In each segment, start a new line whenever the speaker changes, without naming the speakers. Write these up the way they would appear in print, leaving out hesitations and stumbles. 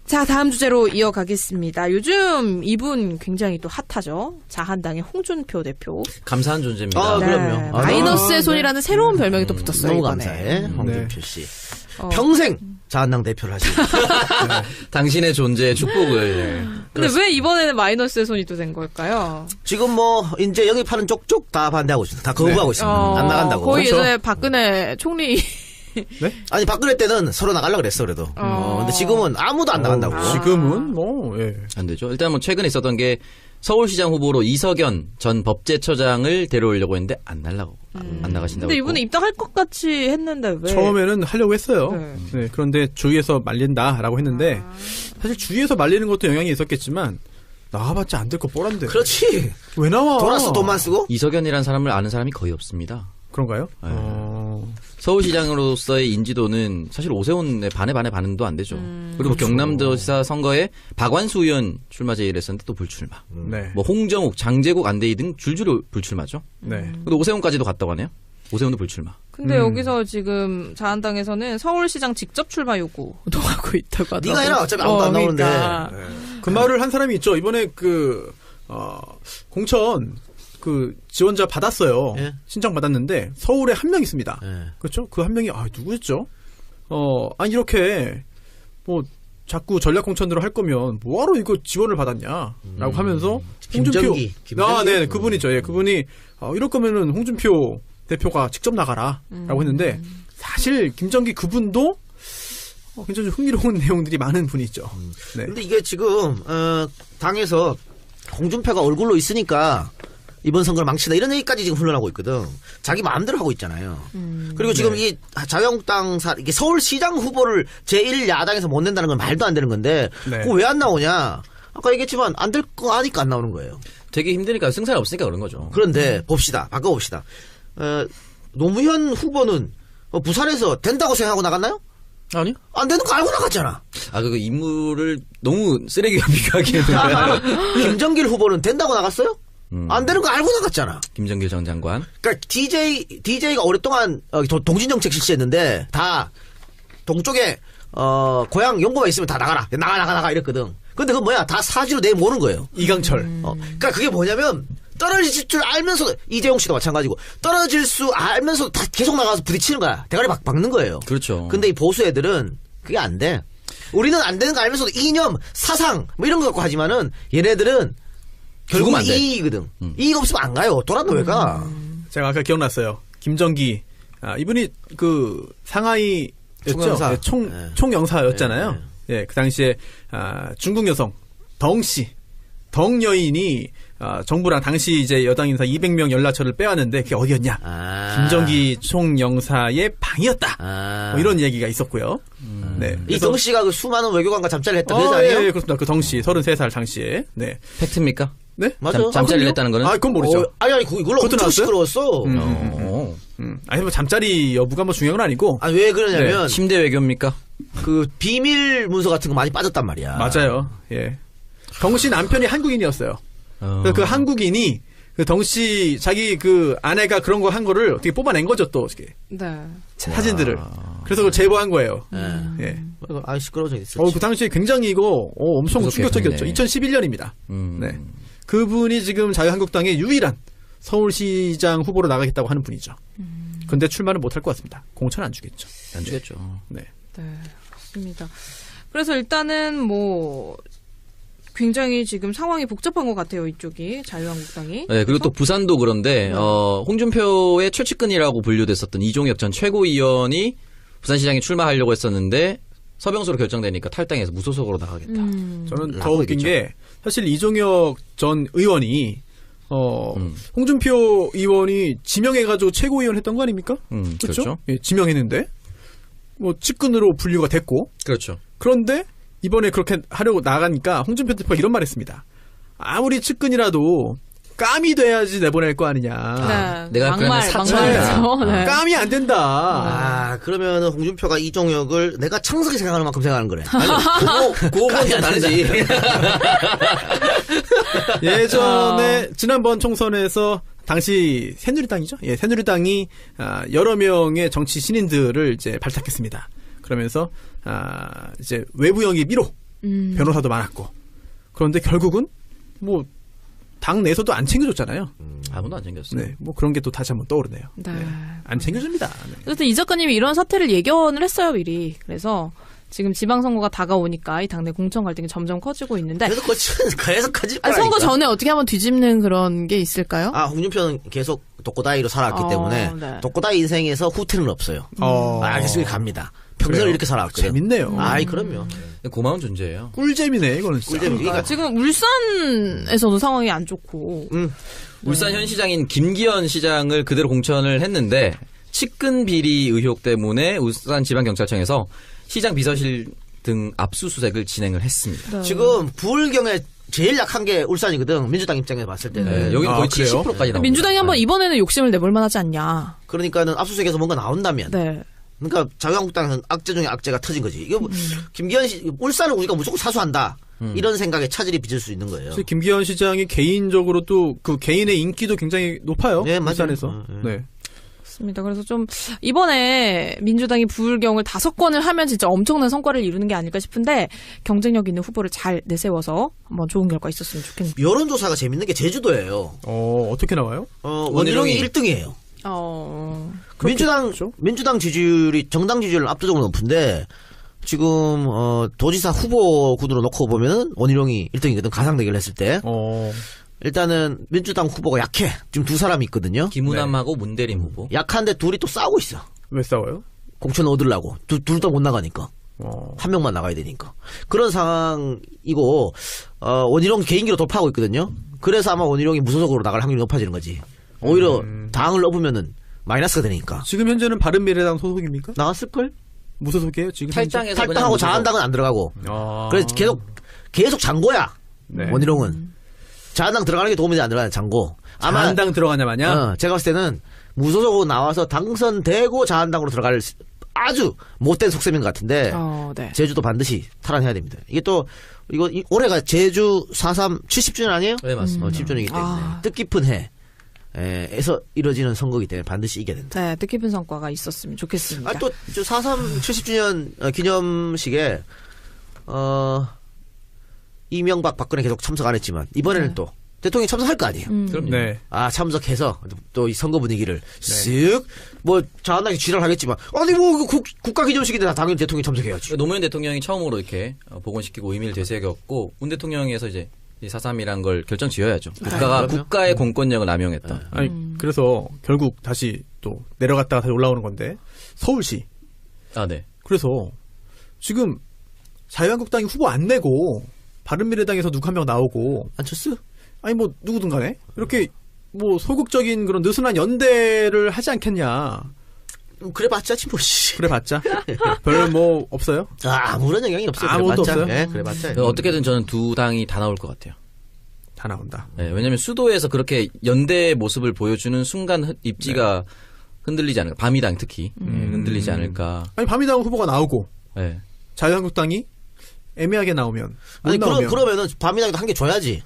자, 다음 주제로 이어가겠습니다. 요즘 이분 굉장히 또 핫하죠. 자한당의 홍준표 대표.
감사한 존재입니다.
아,
네.
그럼요.
마이너스의 손이라는 새로운 별명이 또 붙었어요.
너무
이번에.
감사해, 홍준표 씨.
어.
평생 자한당 대표를 하시고.
당신의 존재의 축복을.
근데 왜 이번에는 마이너스의 손이 또 된 걸까요?
지금 뭐 이제 영입하는 쪽쪽 다 반대하고 있습니다. 다 거부하고 있습니다. 안 나간다고.
거의
그렇죠?
예전에 박근혜 총리.
네?
아니 박근혜 때는 서로 나가려고 그랬어 그래도. 근데 지금은 아무도 안 나간다고.
지금은 뭐 예.
안 되죠. 일단 뭐 최근에 있었던 게 서울시장 후보로 이석연 전 법제처장을 데려오려고 했는데 안 나가신다고.
근데 이분은 입당할 것 같이 했는데 왜?
처음에는 하려고 했어요.
네.
네, 그런데 주위에서 말린다라고 했는데 사실 주위에서 말리는 것도 영향이 있었겠지만 나와봤자 안 될 거 뻔한데.
그렇지.
왜 나와?
돌아서 돈만 쓰고.
이석연이라는 사람을 아는 사람이 거의 없습니다.
그런가요?
네. 서울시장으로서의 인지도는 사실 오세훈의 반도 안 되죠. 그리고
그렇죠.
경남도지사 선거에 박완수 의원 출마 제의를 했었는데 또 불출마.
네.
뭐 홍정욱, 장제국, 안대희 등 줄줄이 불출마죠.
네.
근데 오세훈까지도 갔다고 하네요. 오세훈도 불출마.
근데 여기서 지금 자한당에서는 서울시장 직접 출마 요구도 하고 있다고 하더라고요.
네가 해라. 어차피 아무도 안 나오는데.
그러니까.
그 말을 한 사람이 있죠. 이번에 공천 지원자 받았어요.
예.
신청 받았는데 서울에 한 명 있습니다.
예.
그렇죠? 그 한 명이 누구였죠? 이렇게 뭐 자꾸 전략 공천으로 할 거면 뭐하러 이거 지원을 받았냐라고 하면서
김정기.
네, 그분이죠. 예, 그분이 이럴 거면은 홍준표 대표가 직접 나가라라고 했는데 사실 김정기 그분도 굉장히 흥미로운 내용들이 많은 분이죠. 네.
근데 이게 지금 당에서 홍준표가 얼굴로 있으니까 이번 선거를 망치다 이런 얘기까지 지금 흘러나오고 있거든. 자기 마음대로 하고 있잖아요. 그리고 지금 이 자유한국당 이게 서울시장 후보를 제1야당에서 못 낸다는 건 말도 안 되는 건데
네.
그거 왜 안 나오냐? 아까 얘기했지만 안 될 거 아니까 안 나오는 거예요.
되게 힘드니까 승산이 없으니까 그런 거죠.
그런데 봅시다. 바꿔봅시다. 노무현 후보는 부산에서 된다고 생각하고 나갔나요?
아니요.
안 되는 거 알고 나갔잖아.
그 인물을 너무 쓰레기와 비교하기에는.
김정길 후보는 된다고 나갔어요? 안 되는 거 알고 나갔잖아.
김정길 전 장관.
그러니까 DJ가 오랫동안 동진정책 실시했는데 다 동쪽에 고향 연고만 있으면 다 나가 이랬거든. 근데 그건 뭐야? 다 사지로 내모는 거예요.
이강철.
그러니까 그게 뭐냐면 떨어질 줄 알면서도 이재용 씨도 마찬가지고 떨어질 수 알면서도 다 계속 나가서 부딪히는 거야. 대가리 박는 거예요.
그렇죠.
근데 이 보수 애들은 그게 안 돼. 우리는 안 되는 거 알면서도 이념, 사상 뭐 이런 거 갖고 하지만은 얘네들은 결국
안 돼.
이익이거든. 이익 없으면 안 가요. 돌아도 왜 가?
제가 아까 기억났어요. 김정기. 이분이 상하이
총영사.
네, 총영사였잖아요. 예, 그 당시에 중국 여성 덩 여인이 정부랑 당시 이제 여당 인사 200명 연락처를 빼왔는데 그게 어디였냐? 김정기 총영사의 방이었다. 뭐 이런 얘기가 있었고요. 네.
이 덩 씨가 그 수많은 외교관과 잠자리를 했다 그러지 않아요?
예, 그렇습니다. 그 덩 씨 33살 당시에. 네.
팩트입니까?
네?
맞아.
잠자리를 했다는 거는?
그건 모르죠.
아니 그걸로
그것도
엄청
나왔어요?
시끄러웠어.
아니 뭐 잠자리 여부가 뭐 중요한 건 아니고.
아니 왜 그러냐면
침대 외교입니까?
그 비밀 문서 같은 거 많이 빠졌단 말이야.
맞아요. 예. 덩 씨 남편이 한국인이었어요. 그래서 그 한국인이 그 덩 씨 자기 그 아내가 그런 거 한 거를 어떻게 뽑아낸 거죠 또 어떻게
네.
사진들을. 그래서 그걸 제보한 거예요. 예.
아 시끄러워져 있어.
그 당시에 굉장히 이거 엄청
무섭게
충격적이었죠.
했네.
2011년입니다. 네. 그분이 지금 자유한국당의 유일한 서울시장 후보로 나가겠다고 하는 분이죠. 근데 출마는 못할 것 같습니다. 공천 안 주겠죠.
안 주겠죠.
네.
네, 맞습니다. 그래서 일단은 뭐 굉장히 지금 상황이 복잡한 것 같아요. 이쪽이 자유한국당이.
네, 그리고 또 부산도 그런데 홍준표의 최측근이라고 분류됐었던 이종혁 전 최고위원이 부산시장에 출마하려고 했었는데 서병수로 결정되니까 탈당해서 무소속으로 나가겠다.
저는 더 웃긴 게 사실 이종혁 전 의원이 홍준표 의원이 지명해가지고 최고위원 했던 거 아닙니까?
그렇죠.
예, 지명했는데 뭐 측근으로 분류가 됐고
그렇죠.
그런데 이번에 그렇게 하려고 나가니까 홍준표 대표가 이런 말했습니다. 아무리 측근이라도 깜이 돼야지 내보낼 거 아니냐.
네,
내가 그러면 사천이다.
막말이죠. 네.
깜이 안 된다.
그러면 홍준표가 이종혁을 내가 창석이 생각하는 만큼 생각하는 거네.
그거는 좀 다르지.
예전에 지난번 총선에서 당시 새누리당이죠. 예, 새누리당이 여러 명의 정치 신인들을 이제 발탁했습니다. 그러면서 이제 외부 영입 1호 변호사도 많았고. 그런데 결국은 뭐 당 내에서도 안 챙겨줬잖아요.
아무도 안 챙겼어요.
네, 뭐 그런 게 또 다시 한번 떠오르네요.
네.
안 챙겨줍니다. 네.
어쨌든 이 작가님이 이런 사태를 예견을 했어요, 미리. 그래서 지금 지방선거가 다가오니까 이 당내 공천 갈등이 점점 커지고 있는데.
계속 커질
아,
거라니까.
선거 전에 어떻게 한번 뒤집는 그런 게 있을까요?
아, 홍준표는 계속 독고다이로 살아왔기
어,
때문에
네.
독고다이 인생에서 후퇴는 없어요. 계속 갑니다. 평생을
그래요?
이렇게 살아왔거든.
재밌네요.
아이, 그럼요.
고마운 존재예요.
꿀잼이네 이거는 진짜.
꿀잼. 그러니까
지금 울산에서도 상황이 안 좋고.
울산 현 시장인 김기현 시장을 그대로 공천을 했는데 측근 비리 의혹 때문에 울산지방경찰청에서 시장 비서실 등 압수수색을 진행을 했습니다.
네.
지금 부울경에 제일 약한 게 울산이거든. 민주당 입장에서 봤을 때는.
네, 여기는 거의
그래요?
70%까지 나옵니다.
민주당이 한번 이번에는 욕심을 내볼 만하지 않냐.
그러니까는 압수수색에서 뭔가 나온다면.
네.
그러니까 자유한국당은 악재 중에 악재가 터진 거지. 이거 뭐 김기현 씨 울산을 우리가 무조건 사수한다. 이런 생각에 차질이 빚을 수 있는 거예요.
사실 김기현 시장이 개인적으로도 그 개인의 인기도 굉장히 높아요.
네, 맞아요.
울산에서. 네.
맞습니다. 그래서 좀 이번에 민주당이 부울경을 5건을 하면 진짜 엄청난 성과를 이루는 게 아닐까 싶은데 경쟁력 있는 후보를 잘 내세워서 한번 좋은 결과 있었으면 좋겠네요.
여론조사가 재밌는 게 제주도예요.
어떻게 나와요?
원희룡이 1등이에요.
그렇겠죠?
민주당 지지율이 정당 지지율은 압도적으로 높은데 지금 도지사 후보군으로 놓고 보면은 원희룡이 1등이거든. 가상 대결을 했을 때. 일단은 민주당 후보가 약해. 지금 두 사람이 있거든요.
김우남하고 문대림 후보.
약한데 둘이 또 싸우고 있어.
왜 싸워요?
공천 얻으려고. 둘 다 못 나가니까. 한 명만 나가야 되니까. 그런 상황이고 원희룡 개인기로 돌파하고 있거든요. 그래서 아마 원희룡이 무소속으로 나갈 확률이 높아지는 거지. 오히려 당을 넣으면은 마이너스가 되니까.
지금 현재는 바른미래당 소속입니까?
나왔을걸?
무소속이에요 지금?
탈당해서 그냥
탈당하고
무소속.
자한당은 안 들어가고.
아.
그래서 계속 장고야.
네.
원희룡은. 자한당 들어가는 게 도움이 안 들어가는 장고. 아마
자한당 들어가냐 마냐?
제가 봤을 때는 무소속으로 나와서 당선되고 자한당으로 들어갈 아주 못된 속셈인 것 같은데
네.
제주도 반드시 탈환해야 됩니다. 이게 또 올해가 제주 4.3 70주년 아니에요?
네, 맞습니다.
70주년이기 때문에 뜻깊은 해에서 이루어지는 선거이기 때문에 반드시 이겨야 된다.
네, 뜻깊은 성과가 있었으면 좋겠습니다.
또 4.3 70주년 기념식에 이명박 박근혜 계속 참석 안 했지만 이번에는 또 대통령이 참석할 거 아니에요.
그럼요.
네.
참석해서 또 이 선거 분위기를 쓱 뭐 자한당이 지랄 하겠지만 아니 뭐 국가 기념식인데 당연히 대통령이 참석해야지.
노무현 대통령이 처음으로 이렇게 복원시키고 의미를 되새겼고 문 대통령에서 이제 4.3이란 걸 결정 지어야죠. 국가가
그럼요.
국가의 공권력을 남용했다.
아니 그래서 결국 다시 또 내려갔다가 다시 올라오는 건데 서울시.
아, 네.
그래서 지금 자유한국당이 후보 안 내고 바른미래당에서 누구 한 명 나오고
안철수?
아니 뭐 누구든 간에 이렇게 뭐 소극적인 그런 느슨한 연대를 하지 않겠냐.
그래봤자 뭐 씨.
그래봤자 별 뭐 없어요?
아무런 영향이 없어요.
아무것도
그래봤자.
없어요?
네, 그래봤자.
어떻게든 저는 두 당이 다 나올 것 같아요.
다 나온다.
네, 왜냐하면 수도에서 그렇게 연대의 모습을 보여주는 순간 입지가 흔들리지 않을까. 바미당 특히 흔들리지 않을까.
아니 바미당 후보가 나오고
네.
자유한국당이 애매하게 나오면 못
아니
나오면
그러면은 밤이나도 한 개 줘야지.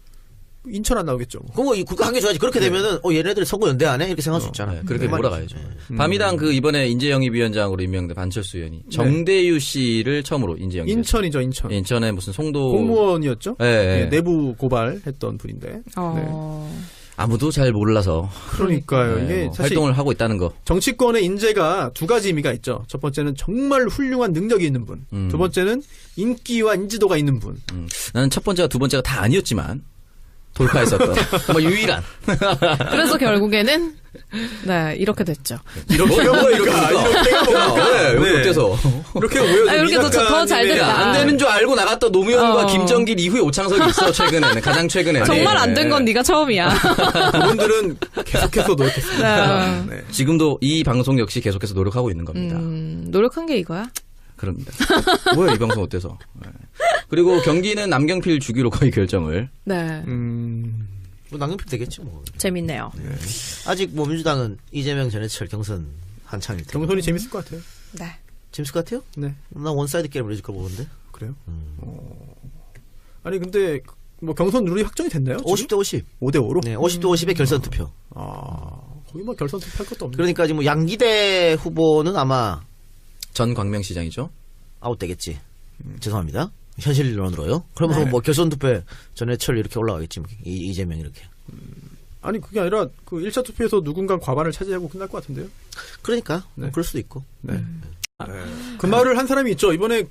인천 안 나오겠죠.
그거 국가 한 개 줘야지. 그렇게 되면은 얘네들이 선거 연대하네 이렇게 생각할 수 있잖아.
네, 그렇게
그
몰아가야죠. 바미당 이번에 인재영입위원장으로 임명된 반철수 의원이 정대유 씨를 처음으로 인재영입.
인천이죠, 인천.
인천의 무슨 송도
공무원이었죠.
네,
예,
네.
내부 고발했던 분인데. 네.
아무도 잘 몰라서
그러니까요.
네,
이게
뭐
사실
활동을 하고 있다는 거.
정치권의 인재가 두 가지 의미가 있죠. 첫 번째는 정말 훌륭한 능력이 있는 분. 두 번째는 인기와 인지도가 있는 분.
나는 첫 번째와 두 번째가 다 아니었지만 돌파했었던 정말 유일한.
그래서 결국에는 네 이렇게 됐죠.
이렇게가 뭡니까? 이렇게가 뭡니까?
네, 여기
네.
어때서?
이렇게가 뭐예요?
아, 이렇게 더잘 됐다.
안 되는 줄 알고 나갔던 노무현과 김정길 이후에 오창석이 있어 최근에는 가장 최근에.
정말 안 된 건 네가 처음이야.
그분들은 계속해서 노력했습니다. 네.
지금도 이 방송 역시 계속해서 노력하고 있는 겁니다.
노력한 게 이거야?
그럽니다. 뭐야 이 방송 어때서? 네. 그리고 경기는 남경필 주기로 거의 결정을.
네.
뭐 남경필 되겠지 뭐.
재밌네요.
아직 뭐 민주당은 이재명 전해철 경선 한창일 때.
경선이 재밌을 것 같아요.
네.
재밌을 것 같아요?
네.
나 원사이드 게임을 해줄 거 보는데.
그래요? 아니 근데 뭐 경선 룰이 확정이 됐나요?
50대 50.
5대5로?
네, 50대 50의 결선 투표.
거기 뭐 결선 투표할 것도 없네.
그러니까 지금 뭐 양기대 후보는 아마
전 광명시장이죠.
아웃되겠지. 죄송합니다. 현실론으로요? 그러면
네.
뭐 결선 투표에 전해철 이렇게 올라가겠지. 뭐. 이재명 이렇게.
아니 그게 아니라 그 1차 투표에서 누군가 과반을 차지하고 끝날 것 같은데요.
그러니까
네.
그럴 수도 있고.
네. 그 말을 한 사람이 있죠. 이번에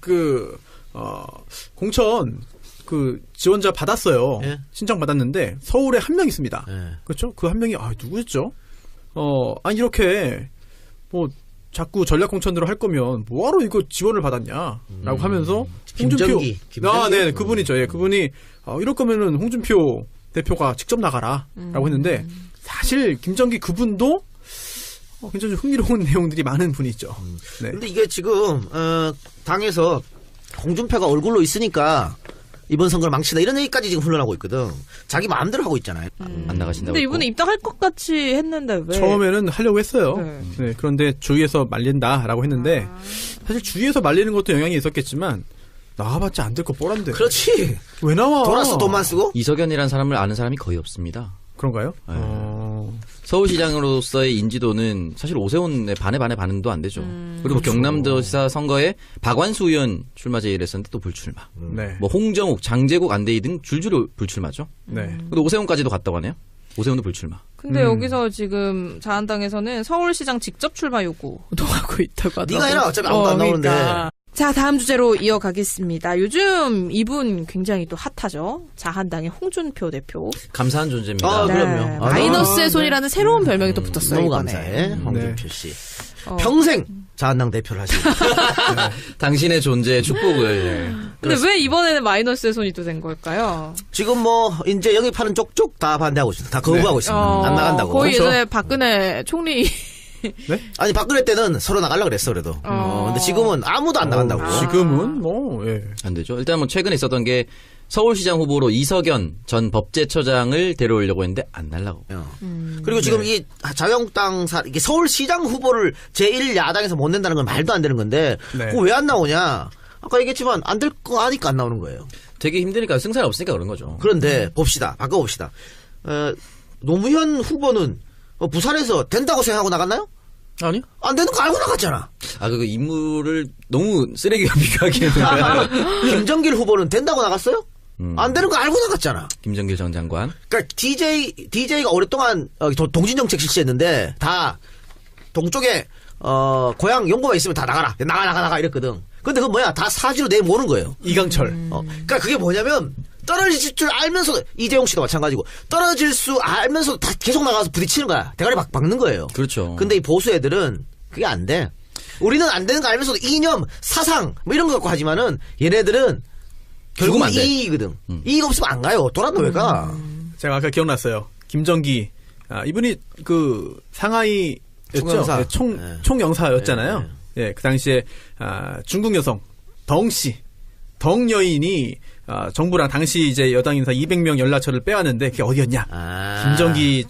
공천 지원자 받았어요.
예.
신청 받았는데 서울에 한 명 있습니다.
예.
그렇죠? 그 한 명이 누구였죠? 아니 이렇게 뭐 자꾸 전략 공천으로 할 거면 뭐하러 이거 지원을 받았냐라고 하면서
김정기.
네, 그분이죠. 예, 그분이 이럴 거면은 홍준표 대표가 직접 나가라라고 했는데 사실 김정기 그분도 굉장히 흥미로운 내용들이 많은 분이죠. 네.
근데 이게 지금 당에서 홍준표가 얼굴로 있으니까 이번 선거를 망치다 이런 얘기까지 지금 흘러나오고 있거든. 자기 마음대로 하고 있잖아요.
안 나가신다고.
근데
했고.
이분은 입당할 것 같이 했는데 왜?
처음에는 하려고 했어요.
네.
네, 그런데 주위에서 말린다라고 했는데 사실 주위에서 말리는 것도 영향이 있었겠지만 나와봤자 안 될 거 뻔한데.
그렇지.
왜 나와?
돌아서 돈만 쓰고.
이석연이라는 사람을 아는 사람이 거의 없습니다.
그런가요?
네. 서울시장으로서의 인지도는 사실 오세훈의 반도 안 되죠. 그리고
그렇죠.
경남도지사 선거에 박완수 의원 출마 제의를 했었는데 또 불출마.
네.
뭐 홍정욱, 장재국, 안대희 등 줄줄이 불출마죠.
네.
근데 오세훈까지도 갔다고 하네요. 오세훈도 불출마.
근데 여기서 지금 자한당에서는 서울시장 직접 출마 요구도 하고 있다고 하더라고요.
네가 해라. 어차피 아무도 안 나오는데.
그러니까. 자, 다음 주제로 이어가겠습니다. 요즘 이분 굉장히 또 핫하죠. 자한당의 홍준표 대표.
감사한 존재입니다.
아,
네,
그럼요.
마이너스의 손이라는 새로운 별명이 또 붙었어요.
너무
이번에.
감사해. 홍준표 씨.
어.
평생 자한당 대표를 하시고.
당신의 존재의 축복을.
근데 왜 이번에는 마이너스의 손이 또 된 걸까요?
지금 뭐 이제 영입하는 쪽쪽 다 반대하고 있습니다. 다 거부하고 있습니다. 안 나간다고.
거의
그렇죠?
예전에 박근혜 총리.
아니 박근혜 때는 서로 나가려고 그랬어 그래도. 근데 지금은 아무도 안 나간다고.
지금은 뭐 예.
안 되죠. 일단 뭐 최근에 있었던 게 서울시장 후보로 이석연 전 법제처장을 데려오려고 했는데 안 날라고.
그리고 지금 이 자유한국당 이게 서울시장 후보를 제1야당에서 못 낸다는 건 말도 안 되는 건데
네.
그거 왜 안 나오냐? 아까 얘기했지만 안 될 거 아니까 안 나오는 거예요.
되게 힘드니까 승산이 없으니까 그런 거죠.
그런데 봅시다. 바꿔봅시다. 노무현 후보는 부산에서 된다고 생각하고 나갔나요?
아니요.
안 되는 거 알고 나갔잖아.
그 인물을 너무 쓰레기와 비교하기에는.
김정길 후보는 된다고 나갔어요? 안 되는 거 알고 나갔잖아.
김정길 전 장관.
그러니까 DJ가 오랫동안 동진정책 실시했는데 다 동쪽에 고향 연고만 있으면 다 나가 이랬거든. 근데 그건 뭐야? 다 사지로 내모는 거예요.
이강철.
그러니까 그게 뭐냐면 떨어질 줄 알면서도 이재용 씨도 마찬가지고 떨어질 수 알면서도 다 계속 나가서 부딪히는 거야. 대가리 박는 거예요.
그렇죠.
근데 이 보수 애들은 그게 안 돼. 우리는 안 되는 거 알면서도 이념, 사상 뭐 이런 거 갖고 하지만은 얘네들은 결국은
안 돼.
이익이거든. 이익 없으면 안 가요. 돌아도 왜 가?
제가 아까 기억났어요. 김정기 이분이 상하이
총영사.
네, 총영사였잖아요. 예, 그 당시에 중국 여성 덩 여인이 정부랑 당시 이제 여당 인사 200명 연락처를 빼왔는데 그게 어디였냐? 김정기